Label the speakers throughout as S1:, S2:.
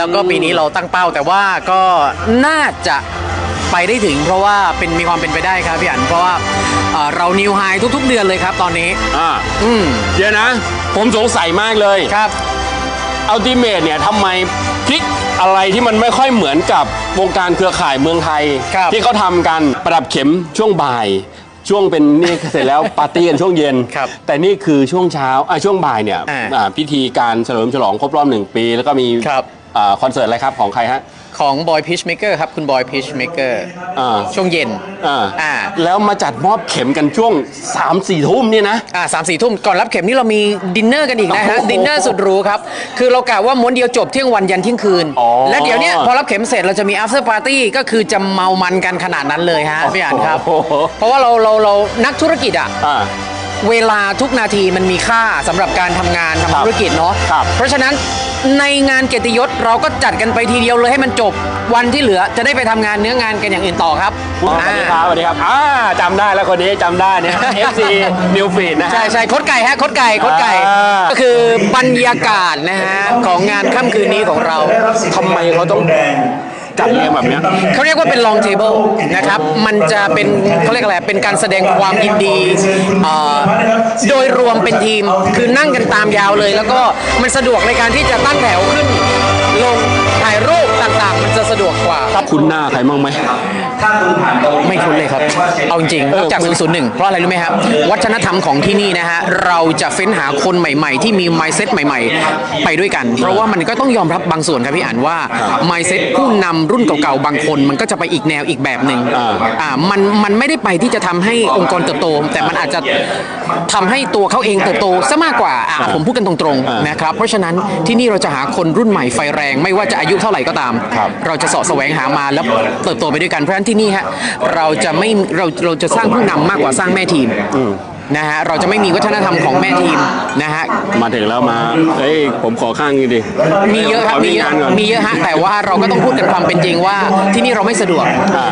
S1: แล้วก็ปีนี้เราตั้งเป้าแต่ว่าก็น่าจะไปได้ถึงเพราะว่ามีความเป็นไปได้ครับพี่อันเพราะว่าเรานิวไฮทุกๆเดือนเลยครับตอนนี้
S2: เดี๋ยวนะผมสงสัยมากเลย
S1: ครับ
S2: อัลติเมทเนี่ยทำไมพลิกอะไรที่มันไม่ค่อยเหมือนกับวงการเครือข่ายเมืองไทยที่เขาทำกันประดับเข็มช่วงบ่ายช่วงเป็นนี่เสร็จแล้วปาร์ตี้กันช่วงเย็นแต่นี่คือช่วงเช้าช่วงบ่ายเนี่ยพิธีการเฉลิมฉลองครบรอบ1 ปีแล้วก็มีคอนเสิร์ตอะไรครับของใครฮะ
S1: ของบอยพีชเมเกอร์ครับคุณบอยพีชเมเกอร์ช่วงเย็น
S2: แล้วมาจัดมอบเข็มกันช่วง 3-4 ทุ่มนี่นะ
S1: 3-4 ทุ่มก่อนรับเข็มนี่เรามีดินเนอร์กันอีกนะฮะดินเนอร์สุดหรูครับคือเรากะว่าม้วนเดียวจบเที่ยงวันยันเที่ยงคืนและเดี๋ยวนี้พอรับเข็มเสร็จเราจะมี after party ก็คือจะเมามันกันขนาดนั้นเลยฮะพี่อ่านครับเพราะว่าเรานักธุรกิจเวลาทุกนาทีมันมีค่าสำหรับการทำงานทำธุรกิจเนาะเพราะฉะนั้นในงานเกียรติยศเราก็จัดกันไปทีเดียวเลยให้มันจบวันที่เหลือจะได้ไปทำงานเนื้องานกันอย่างอื่นต่อครับ
S2: สวัสดีครับสวัสดีครับจำได้แล้วคนนี้จำได้เนี่ย FC New Feed นะ
S1: ใช่โค้ดไก่ฮะโค้ดไก่ก็คือบรรยากาศนะฮะของงานค่ำคืนนี้ของเรา
S2: ทำไมเขาต้องจัดเรียงแบบนี้
S1: เขาเรียกว่าเป็น long table นะครับมันจะเป็นเขาเรียกอะไรเป็นการแสดงความยินดีโดยรวมเป็นทีมคือนั่งกันตามยาวเลยแล้วก็มันสะดวกในการที่จะตั้งแถวขึ้นลงถ่ายรูปต่างๆมันจะสะดวกกว่า
S2: คุณหน้าใครบ้างไหม
S1: ไม่คุ้นเลยครับเอาจริงๆจาก 001 เพราะอะไรรู้ไหมครับวัฒนธรรมของที่นี่นะฮะเราจะเฟ้นหาคนใหม่ๆที่มี mindset ใหม่ๆไปด้วยกันเพราะว่ามันก็ต้องยอมรับบางส่วนครับพี่อ่านว่า mindset ผู้นำรุ่นเก่าๆบางคนมันก็จะไปอีกแนวอีกแบบหนึ่งมันไม่ได้ไปที่จะทำให้องค์กรเติบโตแต่มันอาจจะทำให้ตัวเขาเองเติบโตซะมากกว่าผมพูดกันตรงๆนะครับเพราะฉะนั้นที่นี่เราจะหาคนรุ่นใหม่ไฟแรงไม่ว่าจะอายุเท่าไหร่ก็ตามเราจะเสาะแสวงหามาแล้วเติบโตไปด้วยกันเพราะฉะนั้นที่นี่ฮะเราจะสร้างผู้นำมากกว่าสร้างแม่ทีมนะฮะเราจะไม่มีวัฒนธรรมของแม่ทีมนะฮะ
S2: มาถึงแล้วมาผมขอข้างนี้ดิ
S1: มีเยอะครับมีเยอะฮะแต่ว่าเราก็ต้องพูดกันความเป็นจริงว่าที่นี่เราไม่สะดวก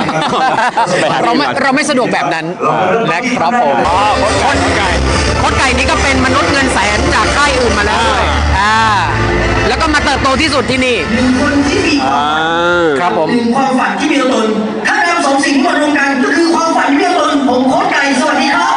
S1: เราไม่สะดวกแบบนั้นนะครับผมโค้ชไก่นี่ก็เป็นมนุษย์เงินแสนจากค่ายอื่นมาแล้วด้วยแล้วก็มาเติบโตที่สุดที่นี่ครับผม
S3: ความฝันที่มีตัวตนถ้าเราสองสิ่งมารวมกันก็คือความฝันที่มีตัวตนผมโค้ชไก่สวัสดีครับ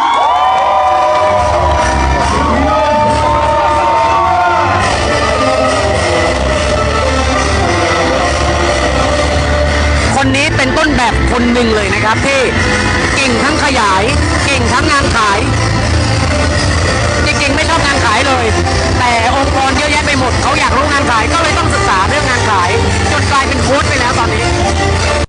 S1: คนนี้เป็นต้นแบบคนหนึ่งเลยนะครับที่เก่งทั้งขยายเก่งทั้งงานขายจริงๆไม่ชอบงานขายเลยแต่องค์กรเยอะแยะไปหมดเขาอยากรู้งานขายก็เลยต้องศึกษาเรื่องงานขาย